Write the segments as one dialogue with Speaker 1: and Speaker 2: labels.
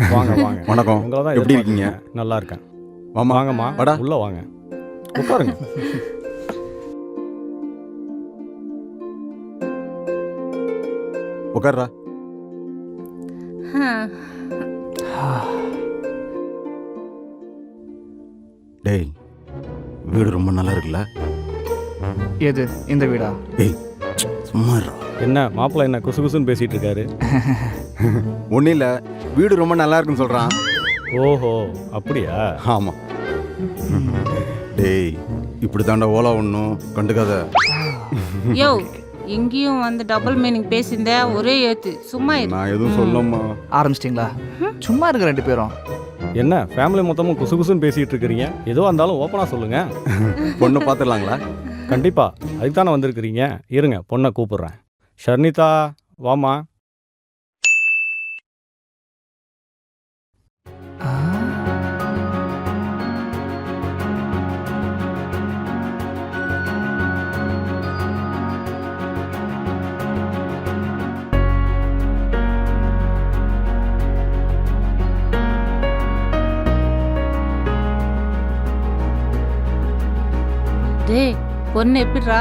Speaker 1: வாங்க வாங்க.
Speaker 2: வணக்கம்.
Speaker 1: உங்களை தான்
Speaker 2: எப்படி இருக்கீங்க?
Speaker 1: நல்லா இருக்கேன்.
Speaker 2: வாமா
Speaker 1: வாங்கம்மா,
Speaker 2: வாடா.
Speaker 1: உள்ள வாங்க, உட்காருங்க.
Speaker 2: உட்கார்றா. டேய், வீடு ரொம்ப நல்லா இருக்குல்ல?
Speaker 3: எது இந்த வீடா?
Speaker 2: டேய் சும்மா இருடா.
Speaker 1: என்ன மாப்பிள்ளை என்ன குசு குசுன்னு பேசிட்டு இருக்காரு?
Speaker 2: ஒன்றும் இல்லை, வீடு ரொம்ப நல்லா இருக்குன்னு சொல்கிறான்.
Speaker 1: ஓஹோ, அப்படியா?
Speaker 2: ஆமாம். டேய் இப்படி தாண்டா ஓலா ஒன்றும் கண்டுக்காத.
Speaker 4: யோ, இங்கேயும் வந்து டபுள் மீனிங் பேசியிருந்த ஒரே ஏத்து. சும்மா இரு.
Speaker 2: நான் எதுவும் சொல்லம்மா.
Speaker 3: ஆரம்பிச்சிட்டிங்களா? சும்மா இருக்க ரெண்டு பேரும்.
Speaker 1: என்ன ஃபேமிலி மொத்தமும் குசு குசுன்னு பேசிட்டு இருக்கிறீங்க? எதுவாக இருந்தாலும் ஓப்பனாக சொல்லுங்க.
Speaker 2: பொண்ணு பார்த்துடலாங்களா?
Speaker 1: கண்டிப்பா, அதுக்கு தானே வந்திருக்கிறீங்க. இருங்க, பொண்ணை கூப்பிடுறேன். ஷர்னிதா, வாமா.
Speaker 4: டேய், பொண்ணு எப்படிரா?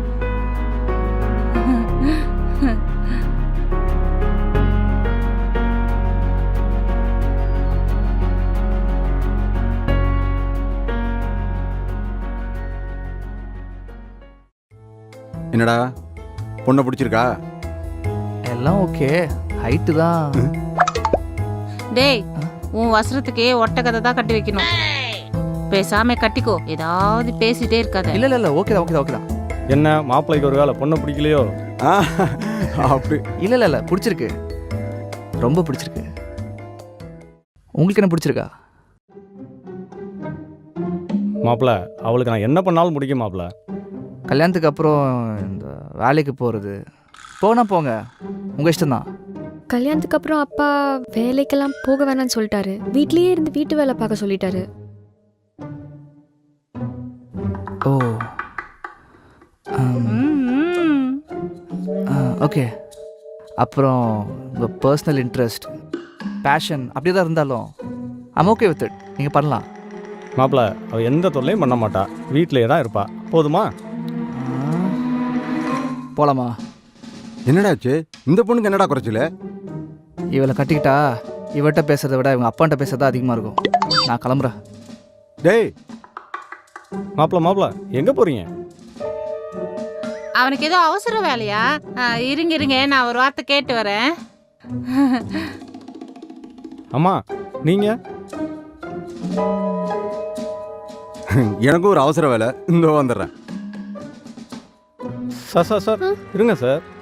Speaker 2: என்னடா பொண்ணை பிடிச்சிருக்கா?
Speaker 3: எல்லாம் ஓகே, ஹைட்டு தான்.
Speaker 4: டேய், உன் வசரத்துக்கே ஒட்ட கதை தான் கட்டி வைக்கணும். பேசாம கட்டிக்கோ, ஏதாவது பேசிட்டே இருக்காத.
Speaker 3: இல்லை இல்லை இல்லை, ஓகே தான் ஓகே தான் ஓகே தான்.
Speaker 1: என்ன மாப்பிள்ளைக்கு ஒரு வேலை பொண்ணை பிடிக்கலையோ?
Speaker 2: அப்படி
Speaker 3: இல்லை இல்லை இல்லை, பிடிச்சிருக்கு, ரொம்ப பிடிச்சிருக்கு. உங்களுக்கு என்ன பிடிச்சிருக்கா?
Speaker 1: மாப்பிள்ளை, அவளுக்கு நான் என்ன பண்ணாலும் பிடிக்கும் மாப்பிள்ளை.
Speaker 3: கல்யாணத்துக்கு அப்புறம் இந்த வேலைக்கு போகிறது போனா போங்க, உங்கள் இஷ்டம்தான்.
Speaker 5: கல்யாணத்துக்கு அப்புறம் அப்பா வேலைக்கெல்லாம் போக வேணாம்னு சொல்லிட்டாரு. வீட்லயே இருந்து வீட்டு வேலை பார்க்க சொல்லிட்டாரு.
Speaker 3: ஓ
Speaker 4: ம்.
Speaker 3: ஓகே. அப்புறம் உங்கள் பர்சனல் இன்ட்ரெஸ்ட், பேஷன் அப்படியே தான் இருந்தாலும் ஐம் ஓகே வித் இட். நீங்கள் பண்ணலாம்.
Speaker 1: மாப்பிள்ளை, அவள் எந்த தொல்லையும் பண்ண மாட்டா, வீட்டிலேயே தான் இருப்பா. போதுமா?
Speaker 3: போகலாமா?
Speaker 2: என்னடாச்சு? இந்த பொண்ணுக்கு என்னடா குறைச்சல?
Speaker 3: இவளை கட்டிக்கிட்டா இவட்ட பேசுறதை விட இவங்க அப்பான்ட்ட பேசுறதா அதிகமாக இருக்கும். நான் கிளம்புறேன்.
Speaker 2: டேய்
Speaker 1: மாப்பிள்ளை எங்கே போகிறீங்க?
Speaker 4: அவனுக்கு ஏதோ அவசர வேலையா? இருங்க இருங்க, நான் ஒரு வார்த்தை கேட்டு வரேன்.
Speaker 1: அம்மா, நீங்கள்?
Speaker 2: எனக்கும் ஒரு அவசர வேலை, இந்த வந்துடுறேன்.
Speaker 1: சார் இருங்க சார்.